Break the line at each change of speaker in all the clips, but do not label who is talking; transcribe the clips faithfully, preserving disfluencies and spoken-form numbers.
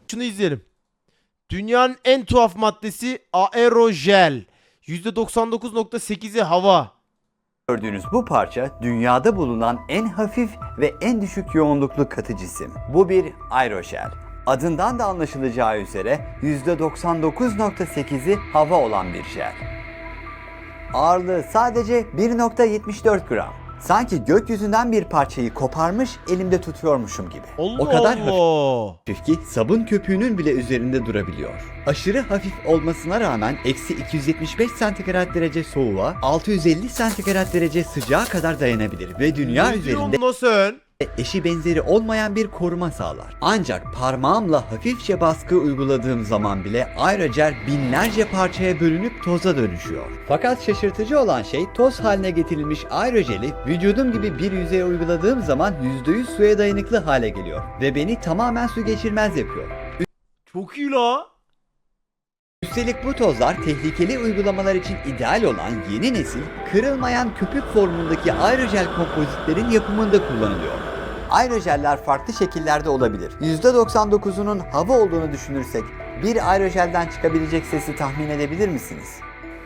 Şunu izleyelim. Dünyanın en tuhaf maddesi aerojel. yüzde doksan dokuz nokta sekizi hava.
Gördüğünüz bu parça dünyada bulunan en hafif ve en düşük yoğunluklu katı cisim. Bu bir aerojel. Adından da anlaşılacağı üzere yüzde doksan dokuz nokta sekizi hava olan bir jel. Ağırlığı sadece bir nokta yetmiş dört gram. Sanki gökyüzünden bir parçayı koparmış elimde tutuyormuşum gibi.
Allah
o kadar
Allah.
hafif ki sabun köpüğünün bile üzerinde durabiliyor. Aşırı hafif olmasına rağmen eksi iki yüz yetmiş beş santigrat derece soğuğa, altı yüz elli santigrat derece sıcağa kadar dayanabilir ve dünya
Ne
üzerinde
diyorsun lan sen?
eşi benzeri olmayan bir koruma sağlar. Ancak parmağımla hafifçe baskı uyguladığım zaman bile aerojel binlerce parçaya bölünüp toza dönüşüyor. Fakat şaşırtıcı olan şey toz haline getirilmiş aerojeli vücudum gibi bir yüzeye uyguladığım zaman yüzde yüz suya dayanıklı hale geliyor ve beni tamamen su geçirmez yapıyor.
Çok iyi la.
Üstelik bu tozlar tehlikeli uygulamalar için ideal olan yeni nesil kırılmayan köpük formundaki aerojel kompozitlerin yapımında kullanılıyor. Aerojeller farklı şekillerde olabilir. yüzde doksan dokuzunun hava olduğunu düşünürsek bir aerojelden çıkabilecek sesi tahmin edebilir misiniz?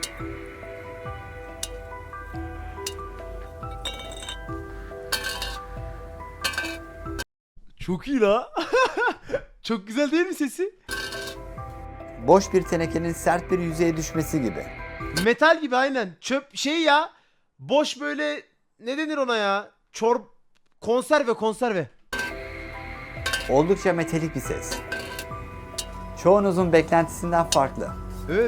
Çok iyi la. Çok güzel değil mi sesi?
Boş bir tenekenin sert bir yüzeye düşmesi gibi.
Metal gibi aynen. Çöp şey ya. Boş böyle ne denir ona ya? Çorp konserve konserve.
Oldukça metalik bir ses. Çoğunuzun beklentisinden farklı.
Evet.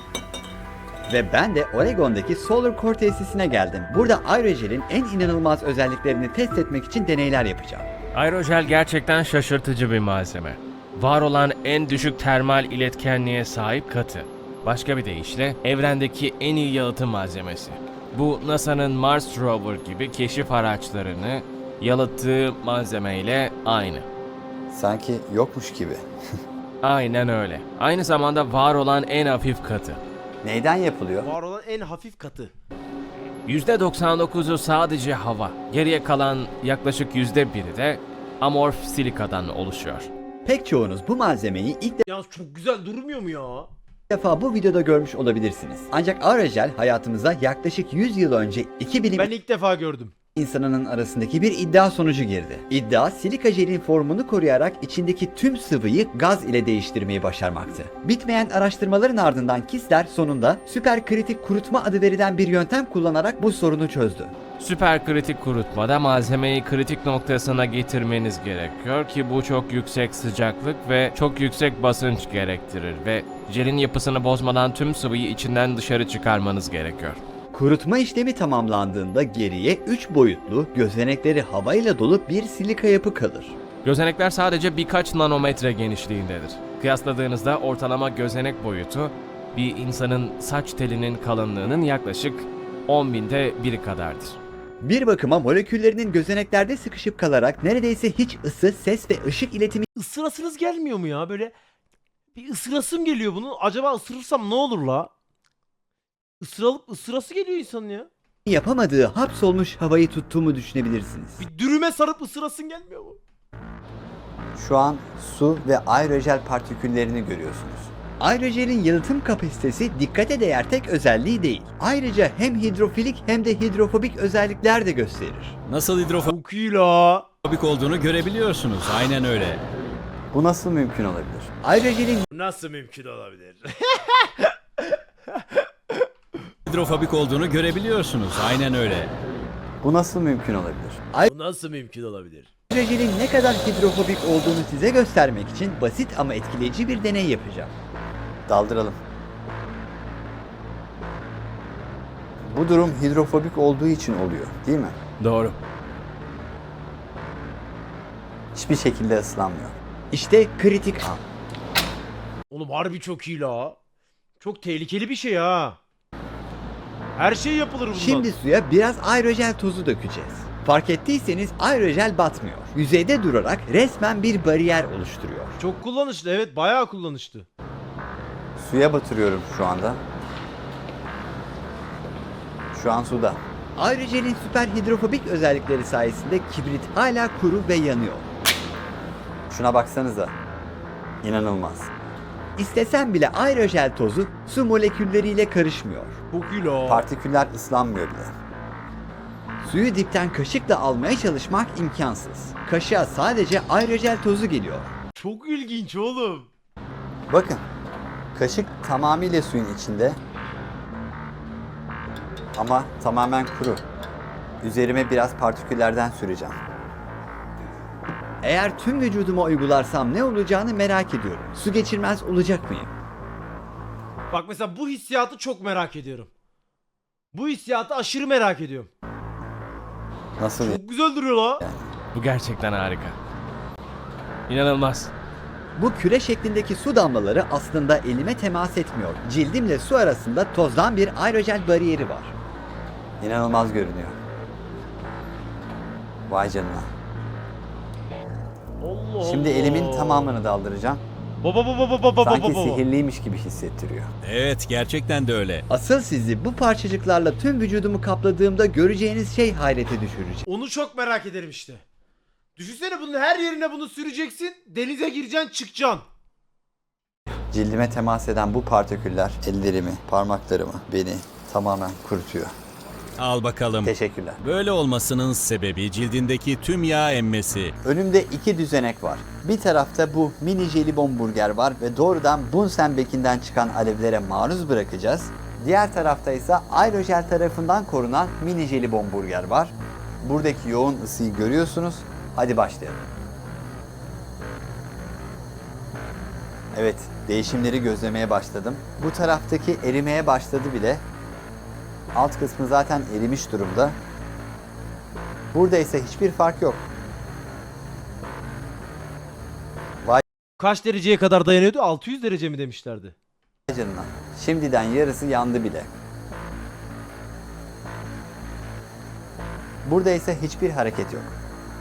Ve ben de Oregon'daki Solar Core tesisine geldim. Burada aerojelin en inanılmaz özelliklerini test etmek için deneyler yapacağım.
Aerojel gerçekten şaşırtıcı bir malzeme. Var olan en düşük termal iletkenliğe sahip katı. Başka bir deyişle evrendeki en iyi yalıtım malzemesi. Bu NASA'nın Mars Rover gibi keşif araçlarını yalıttığı malzemeyle aynı.
Sanki yokmuş gibi.
Aynen öyle. Aynı zamanda var olan en hafif katı.
Neyden yapılıyor?
Var olan en hafif katı.
yüzde doksan dokuzu sadece hava. Geriye kalan yaklaşık yüzde biri de amorf silikadan oluşuyor.
Pek çoğunuz bu malzemeyi ilk
Ya çok güzel durmuyor mu ya?
defa bu videoda görmüş olabilirsiniz. Ancak aerojel hayatımıza yaklaşık yüz yıl önce iki bilim
Ben ilk defa gördüm.
insanının arasındaki bir iddia sonucu girdi. İddia, silika jelin formunu koruyarak içindeki tüm sıvıyı gaz ile değiştirmeyi başarmaktı. Bitmeyen araştırmaların ardından Kistler sonunda süperkritik kurutma adı verilen bir yöntem kullanarak bu sorunu çözdü.
Süperkritik kurutmada malzemeyi kritik noktasına getirmeniz gerekiyor ki bu çok yüksek sıcaklık ve çok yüksek basınç gerektirir ve jelin yapısını bozmadan tüm sıvıyı içinden dışarı çıkarmanız gerekiyor.
Kurutma işlemi tamamlandığında geriye üç boyutlu, gözenekleri havayla dolu bir silika yapı kalır.
Gözenekler sadece birkaç nanometre genişliğindedir. Kıyasladığınızda ortalama gözenek boyutu bir insanın saç telinin kalınlığının yaklaşık on binde biri kadardır.
Bir bakıma moleküllerinin gözeneklerde sıkışıp kalarak neredeyse hiç ısı, ses ve ışık iletimi
Isırasınız gelmiyor mu ya böyle? Bir ısırasım geliyor bunu. Acaba ısırırsam ne olur la? Isıralıp ısırası geliyor insanın ya.
yapamadığı hapsolmuş havayı tuttuğumu düşünebilirsiniz.
Bir dürüme sarıp ısırasın gelmiyor mu?
Şu an su ve aerojel partiküllerini görüyorsunuz. Aerojelin yalıtım kapasitesi dikkate değer tek özelliği değil. Ayrıca hem hidrofilik hem de hidrofobik özellikler de gösterir.
Nasıl hidrofobik
Çok iyi la.
olduğunu görebiliyorsunuz. Aynen öyle.
Bu nasıl mümkün olabilir? Aerojelin
Nasıl mümkün olabilir?
Hidrofobik olduğunu görebiliyorsunuz. Aynen öyle.
bu nasıl mümkün olabilir?
Bu nasıl mümkün olabilir?
Aerojelin ne kadar hidrofobik olduğunu size göstermek için basit ama etkileyici bir deney yapacağım. Daldıralım. Bu durum hidrofobik olduğu için oluyor, değil mi?
Doğru.
Hiçbir şekilde ıslanmıyor. İşte kritik an.
Oğlum harbi çok iyi la. Çok tehlikeli bir şey ha. Her şey yapılır bundan.
Şimdi suya biraz aerojel tozu dökeceğiz. Fark ettiyseniz aerojel batmıyor. Yüzeyde durarak resmen bir bariyer oluşturuyor.
Çok kullanışlı, evet, bayağı kullanışlı.
Suya batırıyorum şu anda. Şu an suda. Aerojelin süper hidrofobik özellikleri sayesinde kibrit hala kuru ve yanıyor. Şuna baksanıza. İnanılmaz. İstesen bile aerojel tozu su molekülleriyle karışmıyor.
Çok iyi la.
Partiküller ıslanmıyor bile. Suyu dipten kaşıkla almaya çalışmak imkansız. Kaşığa sadece aerojel tozu geliyor.
Çok ilginç oğlum.
Bakın, kaşık tamamıyla suyun içinde ama tamamen kuru. Üzerime biraz partiküllerden süreceğim. Eğer tüm vücuduma uygularsam ne olacağını merak ediyorum. Su geçirmez olacak mıyım?
Bak mesela bu hissiyatı çok merak ediyorum. Bu hissiyatı aşırı merak ediyorum.
Nasıl?
Çok güzel duruyor la.
Bu gerçekten harika. İnanılmaz.
Bu küre şeklindeki su damlaları aslında elime temas etmiyor. Cildimle su arasında tozdan bir aerojel bariyeri var. İnanılmaz görünüyor. Vay canına.
Allah
Şimdi
Allah.
elimin tamamını daldıracağım.
Baba baba baba baba
Sanki
baba.
sihirliymiş gibi hissettiriyor.
Evet, gerçekten de öyle.
Asıl sizi bu parçacıklarla tüm vücudumu kapladığımda göreceğiniz şey hayrete düşürecek.
Onu çok merak ederim işte. Düşünsene bunun her yerine bunu süreceksin. Denize gireceksin çıkacaksın.
Cildime temas eden bu partiküller ellerimi, parmaklarımı, beni tamamen kurutuyor.
Al bakalım.
Teşekkürler.
Böyle olmasının sebebi cildindeki tüm yağ emmesi.
Önümde iki düzenek var. Bir tarafta bu mini jelibon burger var ve doğrudan Bunsen bekinden çıkan alevlere maruz bırakacağız. Diğer tarafta ise aerojel tarafından korunan mini jelibon burger var. Buradaki yoğun ısıyı görüyorsunuz. Hadi başlayalım. Evet, değişimleri gözlemeye başladım. Bu taraftaki erimeye başladı bile. Alt kısmı zaten erimiş durumda. Burada ise hiçbir fark yok.
Kaç dereceye kadar dayanıyordu? altı yüz derece mi demişlerdi?
Vay canına. Şimdiden yarısı yandı bile. Burada ise hiçbir hareket yok.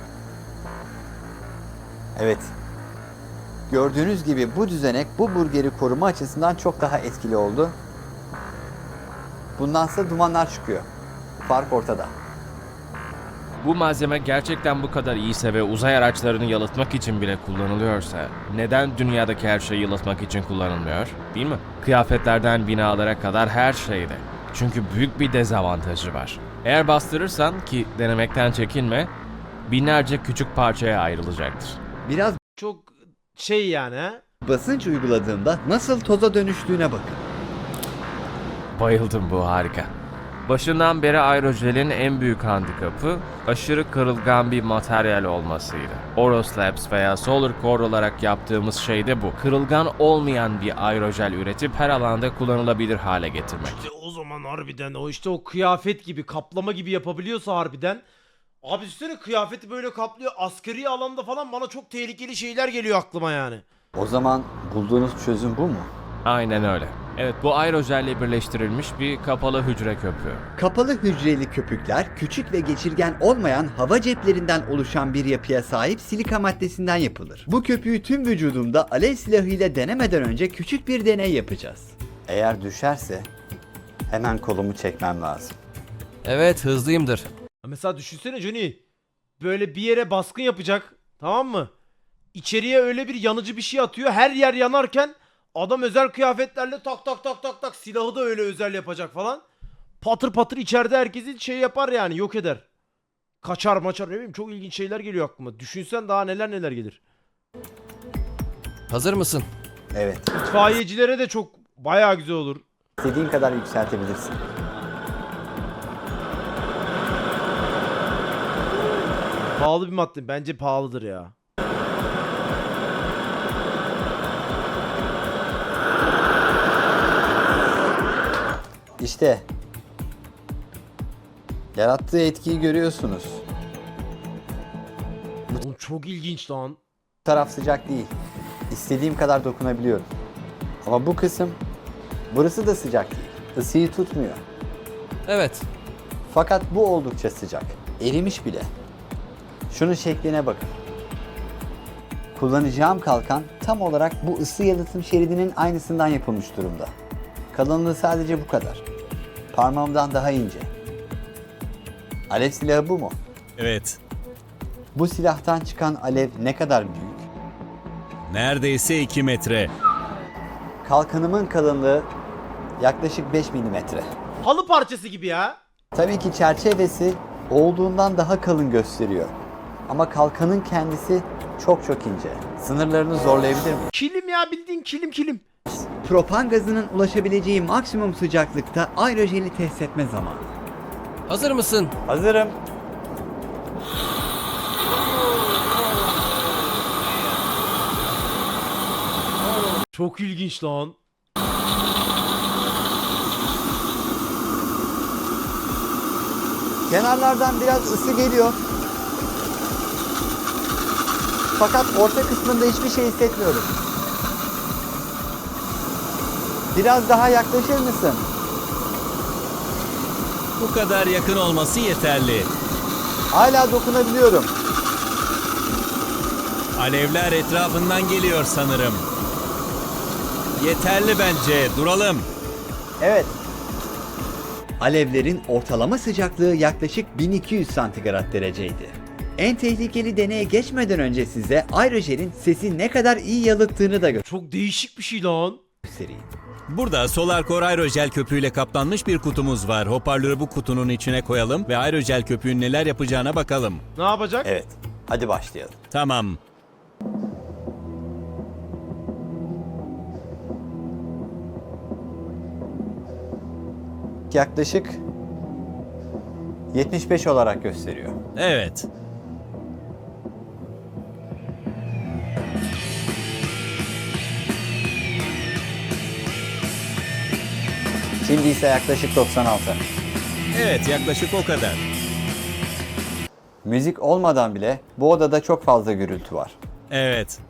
Evet. Gördüğünüz gibi bu düzenek bu burgeri koruma açısından çok daha etkili oldu. Bundansa dumanlar çıkıyor. Fark ortada.
Bu malzeme gerçekten bu kadar iyiyse ve uzay araçlarını yalıtmak için bile kullanılıyorsa neden dünyadaki her şeyi yalıtmak için kullanılmıyor? Değil mi? Kıyafetlerden binalara kadar her şeyde. Çünkü büyük bir dezavantajı var. Eğer bastırırsan, ki denemekten çekinme, binlerce küçük parçaya ayrılacaktır.
Biraz
Çok şey yani ha.
basınç uyguladığımda nasıl toza dönüştüğüne bakın.
Bayıldım, bu harika. Başından beri aerojelin en büyük handikapı aşırı kırılgan bir materyal olmasıydı. Oroslabs veya Solar Core olarak yaptığımız şey de bu. Kırılgan olmayan bir aerojel üretip her alanda kullanılabilir hale getirmek.
İşte o zaman harbiden o işte o kıyafet gibi kaplama gibi yapabiliyorsa harbiden. Abi üstüne kıyafeti böyle kaplıyor. Askeri alanda falan bana çok tehlikeli şeyler geliyor aklıma yani.
O zaman bulduğunuz çözüm bu mu?
Aynen öyle. Evet, bu aerojelle birleştirilmiş bir kapalı hücre köpüğü.
Kapalı hücreli köpükler küçük ve geçirgen olmayan hava ceplerinden oluşan bir yapıya sahip silika maddesinden yapılır. Bu köpüğü tüm vücudumda alev silahıyla denemeden önce küçük bir deney yapacağız. Eğer düşerse hemen kolumu çekmem lazım.
Evet, hızlıyımdır.
Mesela düşünsene Johnny. Böyle bir yere baskın yapacak. Tamam mı? İçeriye öyle bir yanıcı bir şey atıyor. Her yer yanarken adam özel kıyafetlerle tak tak tak tak tak silahı da öyle özel yapacak falan. Patır patır içeride herkesi şey yapar yani, yok eder. Kaçar maçar, ne bileyim, çok ilginç şeyler geliyor aklıma. Düşünsen daha neler neler gelir.
Hazır mısın?
Evet,
İtfaiyecilere de çok bayağı güzel olur.
istediğin kadar yükseltebilirsin.
Pahalı bir madde. Bence pahalıdır ya.
İşte yarattığı etkiyi görüyorsunuz.
Oğlum çok ilginç lan.
Bu taraf sıcak değil. İstediğim kadar dokunabiliyorum. Ama bu kısım, burası da sıcak değil. Isıyı tutmuyor.
Evet.
Fakat bu oldukça sıcak. Erimiş bile. Şunun şekline bakın. Kullanacağım kalkan tam olarak bu ısı yalıtım şeridinin aynısından yapılmış durumda. Kalınlığı sadece bu kadar. Parmağımdan daha ince. Alev silahı bu mu?
Evet.
Bu silahtan çıkan alev ne kadar büyük?
Neredeyse iki metre.
Kalkanımın kalınlığı yaklaşık beş milimetre.
Halı parçası gibi ya.
Tabii ki çerçevesi olduğundan daha kalın gösteriyor. Ama kalkanın kendisi çok çok ince. Sınırlarını zorlayabilir mi?
Kilim ya, bildiğin kilim kilim.
Propan gazının ulaşabileceği maksimum sıcaklıkta aerojeli test etme zamanı.
Hazır mısın?
Hazırım.
Çok ilginç lan.
Kenarlardan biraz ısı geliyor. Fakat orta kısmında hiçbir şey hissetmiyorum. Biraz daha yaklaşır mısın?
Bu kadar yakın olması yeterli.
Hala dokunabiliyorum.
Alevler etrafından geliyor sanırım. Yeterli bence. Duralım.
Evet. Alevlerin ortalama sıcaklığı yaklaşık bin iki yüz santigrat dereceydi. En tehlikeli deneye geçmeden önce size aerojelin sesi ne kadar iyi yalıttığını da
Çok değişik bir şey lan.
göstereyim.
Burada Solarcore aerojel köpüğüyle kaplanmış bir kutumuz var. Hoparlörü bu kutunun içine koyalım ve aerojel köpüğün neler yapacağına bakalım.
Ne yapacak?
Evet, hadi başlayalım.
Tamam.
Yaklaşık yetmiş beş olarak gösteriyor.
Evet.
Şimdi ise yaklaşık doksan altı.
Evet, yaklaşık o kadar.
Müzik olmadan bile bu odada çok fazla gürültü var.
Evet.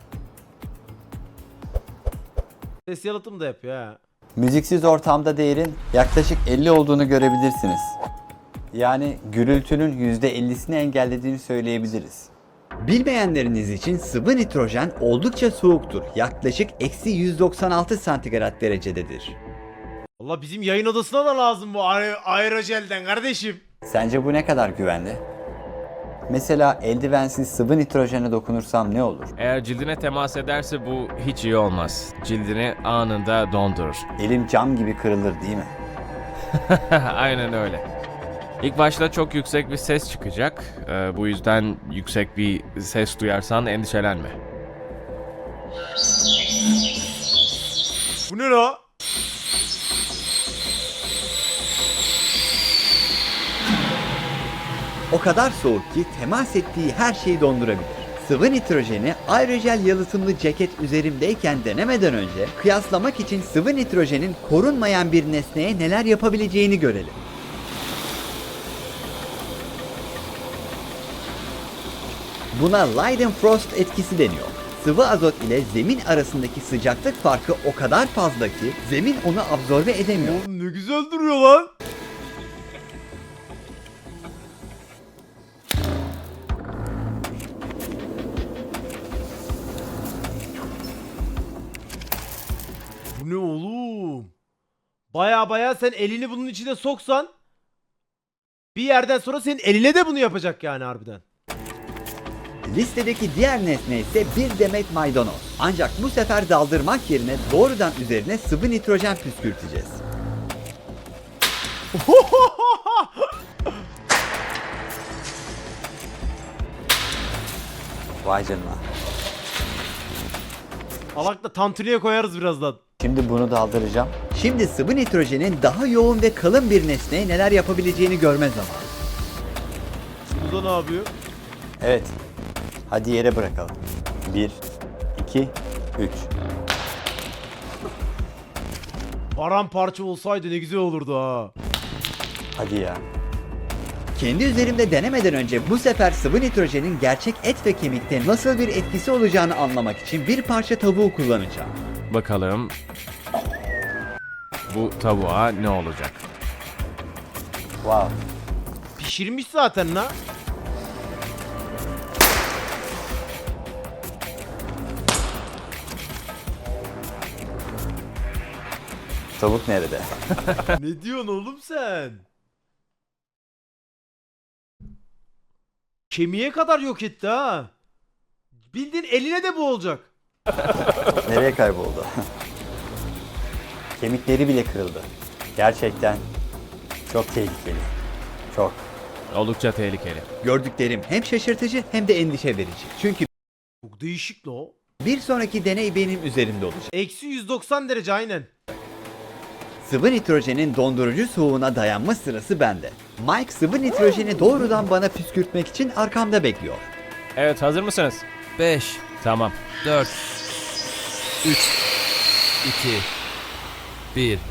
Ses yalıtım da yapıyor ha.
Müziksiz ortamda değerin yaklaşık elli olduğunu görebilirsiniz. Yani gürültünün yüzde ellisini engellediğini söyleyebiliriz. Bilmeyenleriniz için sıvı nitrojen oldukça soğuktur. Yaklaşık eksi yüz doksan altı santigrat derecededir.
Valla bizim yayın odasına da lazım bu aer aerojelden kardeşim.
Sence bu ne kadar güvenli? Mesela eldivensiz sıvı nitrojene dokunursam ne olur?
Eğer cildine temas ederse bu hiç iyi olmaz. Cildini anında dondurur.
Elim cam gibi kırılır değil mi?
Aynen öyle. İlk başta çok yüksek bir ses çıkacak. Ee, bu yüzden yüksek bir ses duyarsan endişelenme.
Bu ne la?
O kadar soğuk ki temas ettiği her şeyi dondurabilir. Sıvı nitrojeni aerojel yalıtımlı ceket üzerimdeyken denemeden önce kıyaslamak için sıvı nitrojenin korunmayan bir nesneye neler yapabileceğini görelim. Buna Leidenfrost etkisi deniyor. Sıvı azot ile zemin arasındaki sıcaklık farkı o kadar fazla ki zemin onu absorbe edemiyor.
Oğlum ne güzel duruyor lan. Bu ne oğlum? Baya baya sen elini bunun içine soksan bir yerden sonra senin eline de bunu yapacak yani harbiden.
Listedeki diğer nesne ise bir demet maydanoz. Ancak bu sefer daldırmak yerine doğrudan üzerine sıvı nitrojen püskürteceğiz. Vay canına.
Alakla tantuniye koyarız birazdan.
Şimdi bunu daldıracağım. Şimdi sıvı nitrojenin daha yoğun ve kalın bir nesneye neler yapabileceğini görme zamanı.
Bu da ne yapıyor?
Evet. Hadi yere bırakalım. Bir, iki, üç.
Paramparça olsaydı ne güzel olurdu ha.
Hadi ya. Kendi üzerimde denemeden önce bu sefer sıvı nitrojenin gerçek et ve kemikte nasıl bir etkisi olacağını anlamak için bir parça tavuğu kullanacağım.
Bakalım bu tavuğa ne olacak?
Wow.
Pişirmiş zaten la.
Tavuk nerede?
Ne diyorsun oğlum sen? Kemiğe kadar yok etti ha. Bildiğin eline de bu olacak.
Nereye kayboldu? Kemikleri bile kırıldı. Gerçekten çok tehlikeli. Çok.
Oldukça tehlikeli.
Gördüklerim hem şaşırtıcı hem de endişe verici. Çünkü
Çok değişik la o.
bir sonraki deney benim üzerimde olacak.
Eksi yüz doksan derece aynen.
Sıvı nitrojenin dondurucu soğuğuna dayanma sırası bende. Mike sıvı nitrojeni doğrudan bana püskürtmek için arkamda bekliyor.
Evet, hazır mısınız?
beş,
Tamam.
dört, üç, iki, bir.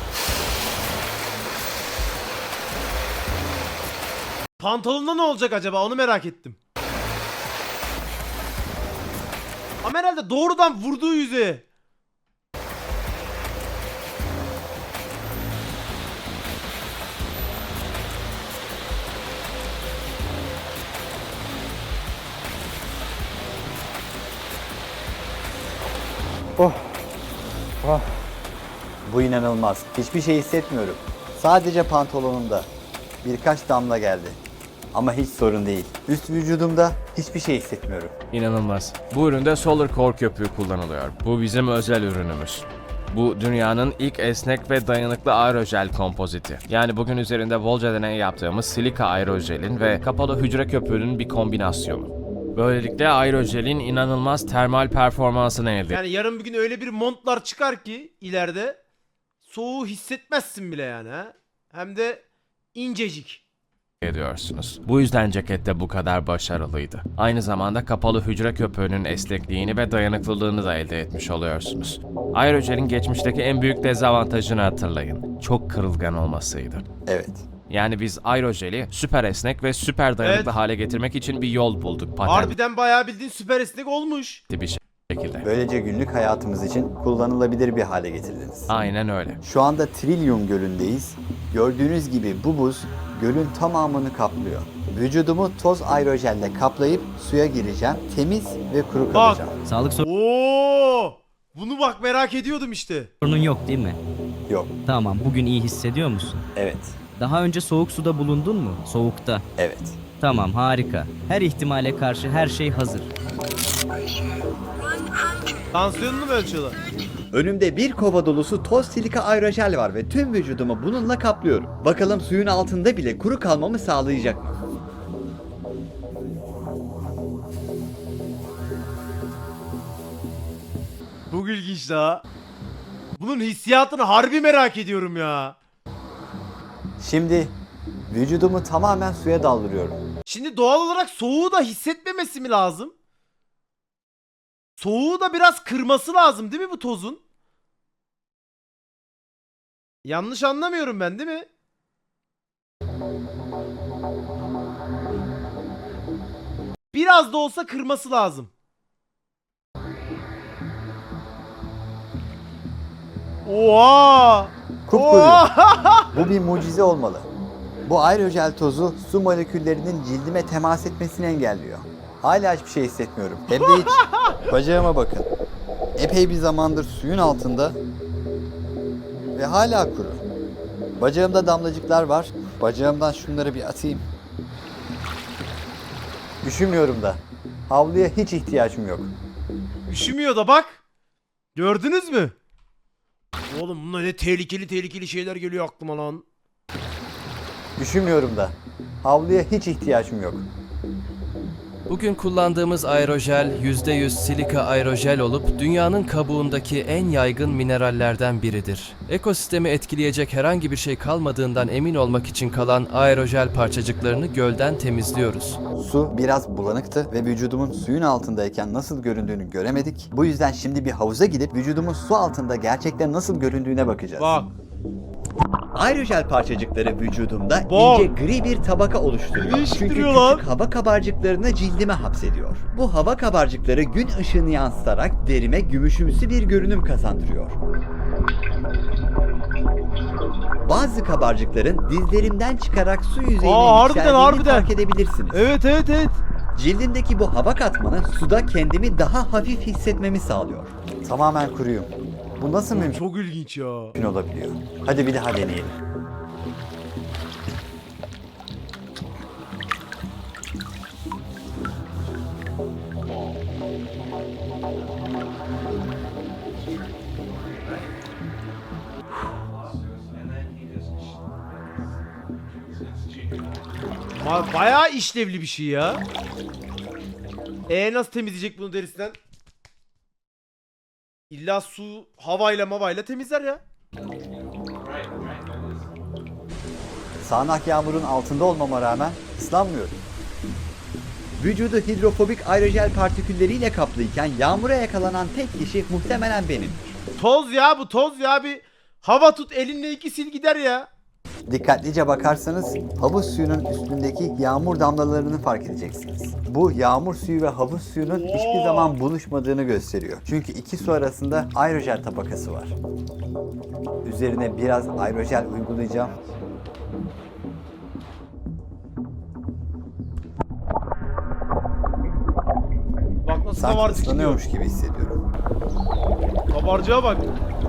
Pantolonda ne olacak acaba onu merak ettim. Ama herhalde doğrudan vurduğu yüzeye.
Bu inanılmaz. Hiçbir şey hissetmiyorum. Sadece pantolonumda birkaç damla geldi. Ama hiç sorun değil. Üst vücudumda hiçbir şey hissetmiyorum.
İnanılmaz. Bu üründe Solar Core köpüğü kullanılıyor. Bu bizim özel ürünümüz. Bu dünyanın ilk esnek ve dayanıklı aerojel kompoziti. Yani bugün üzerinde bolca deney yaptığımız silika aerojelin ve kapalı hücre köpüğünün bir kombinasyonu. Böylelikle aerojelin inanılmaz termal performansını elde
Yani yarın bir gün öyle bir montlar çıkar ki ileride soğuğu hissetmezsin bile yani ha. Hem de incecik.
ediyorsunuz. Bu yüzden ceket de bu kadar başarılıydı. Aynı zamanda kapalı hücre köpüğünün esnekliğini ve dayanıklılığını da elde etmiş oluyorsunuz. Aerojelin geçmişteki en büyük dezavantajını hatırlayın. Çok kırılgan olmasıydı.
Evet.
Yani biz aerojeli süper esnek ve süper dayanıklı
Evet.
hale getirmek için bir yol bulduk patentli
Harbiden bayağı bildiğin süper esnek olmuş.
bir şekilde.
Böylece günlük hayatımız için kullanılabilir bir hale getirdiniz.
Aynen öyle.
Şu anda Trillium Gölü'ndeyiz. Gördüğünüz gibi bu buz gölün tamamını kaplıyor. Vücudumu toz aerojelle kaplayıp suya gireceğim. Temiz ve kuru kalacağım.
Sağlık
Oo! Bunu bak merak ediyordum işte.
sorunun yok değil mi?
Yok.
Tamam, bugün iyi hissediyor musun?
Evet.
Daha önce soğuk suda bulundun mu? Soğukta.
Evet.
Tamam, harika. Her ihtimale karşı her şey hazır.
Tansiyonunu mu ölçüyorlar?
Önümde bir kova dolusu toz silika aerojel var ve tüm vücudumu bununla kaplıyorum. Bakalım suyun altında bile kuru kalmamı sağlayacak mı?
Çok ilginç daha. Bunun hissiyatını harbi merak ediyorum ya.
Şimdi vücudumu tamamen suya daldırıyorum.
Şimdi doğal olarak soğuğu da hissetmemesi mi lazım? Soğuğu da biraz kırması lazım değil mi bu tozun? Yanlış anlamıyorum ben değil mi? Biraz da olsa kırması lazım. Oha!
Kupkuru.
Oha!
Bu bir mucize olmalı. Bu aerojel tozu su moleküllerinin cildime temas etmesini engelliyor. Hala hiçbir şey hissetmiyorum. Hem de hiç. Bacağıma bakın. Epey bir zamandır suyun altında ve hala kuru. Bacağımda damlacıklar var. Bacağımdan şunları bir atayım. Üşümüyorum da. Havluya hiç ihtiyacım yok.
Üşümüyor da bak. Gördünüz mü? Oğlum bunlar ne tehlikeli tehlikeli şeyler geliyor aklıma lan.
Üşümüyorum da. Havluya hiç ihtiyacım yok.
Bugün kullandığımız aerojel yüzde yüz silika aerojel olup dünyanın kabuğundaki en yaygın minerallerden biridir. Ekosistemi etkileyecek herhangi bir şey kalmadığından emin olmak için kalan aerojel parçacıklarını gölden temizliyoruz.
Su biraz bulanıktı ve vücudumun suyun altındayken nasıl göründüğünü göremedik. Bu yüzden şimdi bir havuza gidip vücudumun su altında gerçekten nasıl göründüğüne bakacağız.
Bak.
Aerojel parçacıkları vücudumda
Bak.
ince gri bir tabaka oluşturuyor. Çünkü
Değiştiriyor lan.
küçük hava kabarcıklarını cildime hapsediyor. Bu hava kabarcıkları gün ışığını yansıtarak derime gümüşümsü bir görünüm kazandırıyor. Bazı kabarcıkların dizlerimden çıkarak su yüzeyine
Aa, harbiden,
yükseldiğini
harbiden.
fark edebilirsiniz.
Evet evet evet.
Cildimdeki bu hava katmanı suda kendimi daha hafif hissetmemi sağlıyor. Tamamen kuruyum. Bu nasıl mümkün
Çok ilginç ya.
olabiliyor? Hadi bir daha deneyelim.
Ba- bayağı işlevli bir şey ya. E nasıl temizleyecek bunu derisinden? İlla su havayla mavayla temizler ya.
Sağanak yağmurun altında olmama rağmen ıslanmıyorum. Vücudu hidrofobik aerojel partikülleriyle kaplıyken yağmura yakalanan tek kişi muhtemelen benim.
Toz ya bu toz ya, bir hava tut elinle iki sil gider ya.
Dikkatlice bakarsanız havuz suyunun üstündeki yağmur damlalarını fark edeceksiniz. Bu yağmur suyu ve havuz suyunun hiçbir zaman buluşmadığını gösteriyor. Çünkü iki su arasında aerojel tabakası var. Üzerine biraz aerojel uygulayacağım.
Bak nasıl
Sanki
kabarcık gidiyor.
ıslanıyormuş gibi hissediyorum.
Kabarcığa bak.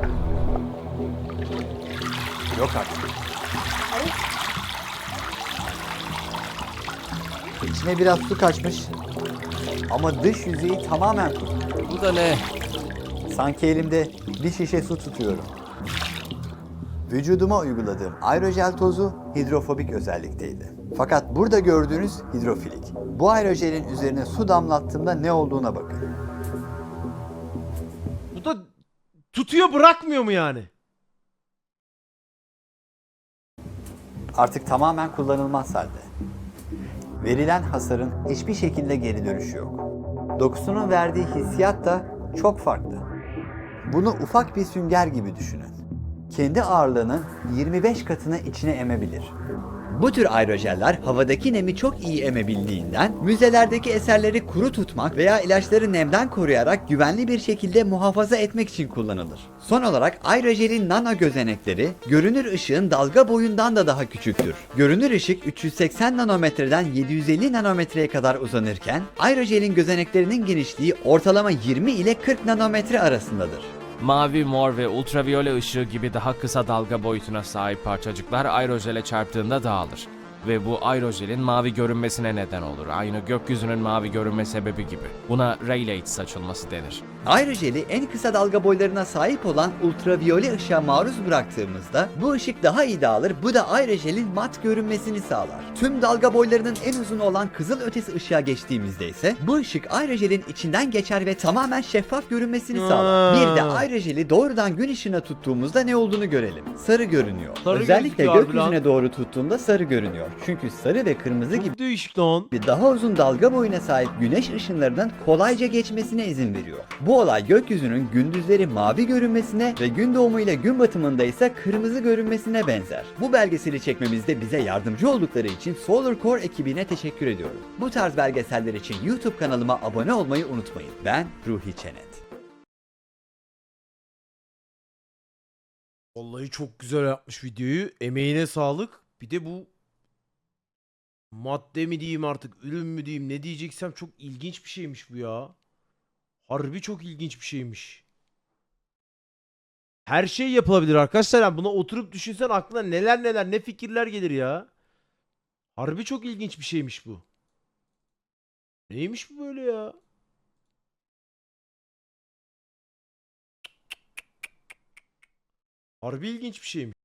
Yok artık. İçine biraz su kaçmış. Ama dış yüzeyi tamamen kuru.
Bu da ne?
Sanki elimde bir şişe su tutuyorum. Vücuduma uyguladığım aerojel tozu hidrofobik özellikteydi. Fakat burada gördüğünüz hidrofilik. Bu aerojelin üzerine su damlattığımda ne olduğuna bakın.
Bu da tutuyor bırakmıyor mu yani?
Artık tamamen kullanılmaz halde. Verilen hasarın hiçbir şekilde geri dönüşü yok. Dokusunun verdiği hissiyat da çok farklı. Bunu ufak bir sünger gibi düşünün. Kendi ağırlığının yirmi beş katını içine emebilir. Bu tür aerojeller havadaki nemi çok iyi emebildiğinden müzelerdeki eserleri kuru tutmak veya ilaçları nemden koruyarak güvenli bir şekilde muhafaza etmek için kullanılır. Son olarak aerojelin nano gözenekleri görünür ışığın dalga boyundan da daha küçüktür. Görünür ışık üç yüz seksen nanometreden yedi yüz elli nanometreye kadar uzanırken aerojelin gözeneklerinin genişliği ortalama yirmi ile kırk nanometre arasındadır.
Mavi, mor ve ultraviyole ışığı gibi daha kısa dalga boyutuna sahip parçacıklar aerojele çarptığında dağılır. Ve bu aerojelin mavi görünmesine neden olur. Aynı gökyüzünün mavi görünme sebebi gibi. Buna Rayleigh saçılması denir.
Aerojeli en kısa dalga boylarına sahip olan ultraviyole ışığa maruz bıraktığımızda bu ışık daha iyi dağılır. Bu da aerojelin mat görünmesini sağlar. Tüm dalga boylarının en uzunu olan kızıl ötesi ışığa geçtiğimizde ise bu ışık aerojelin içinden geçer ve tamamen şeffaf görünmesini sağlar. Bir de aerojeli doğrudan gün ışığına tuttuğumuzda ne olduğunu görelim. Sarı görünüyor.
Sarı
Özellikle
gözüküyor abi
gökyüzüne
lan.
doğru tuttuğumda sarı görünüyor. Çünkü sarı ve kırmızı gibi
Çok değişik lan.
daha uzun dalga boyuna sahip güneş ışınlarının kolayca geçmesine izin veriyor. Bu olay gökyüzünün gündüzleri mavi görünmesine ve gün doğumu ile gün batımında ise kırmızı görünmesine benzer. Bu belgeseli çekmemizde bize yardımcı oldukları için Solar Core ekibine teşekkür ediyorum. Bu tarz belgeseller için YouTube kanalıma abone olmayı unutmayın. Ben Ruhi Çenet.
Vallahi çok güzel yapmış videoyu. Emeğine sağlık. Bir de bu madde mi diyeyim artık, ürün mü diyeyim, ne diyeceksem çok ilginç bir şeymiş bu ya. Harbi çok ilginç bir şeymiş. Her şey yapılabilir arkadaşlar. Yani buna oturup düşünsen aklına neler neler, ne fikirler gelir ya. Harbi çok ilginç bir şeymiş bu. Neymiş bu böyle ya? Harbi ilginç bir şeymiş.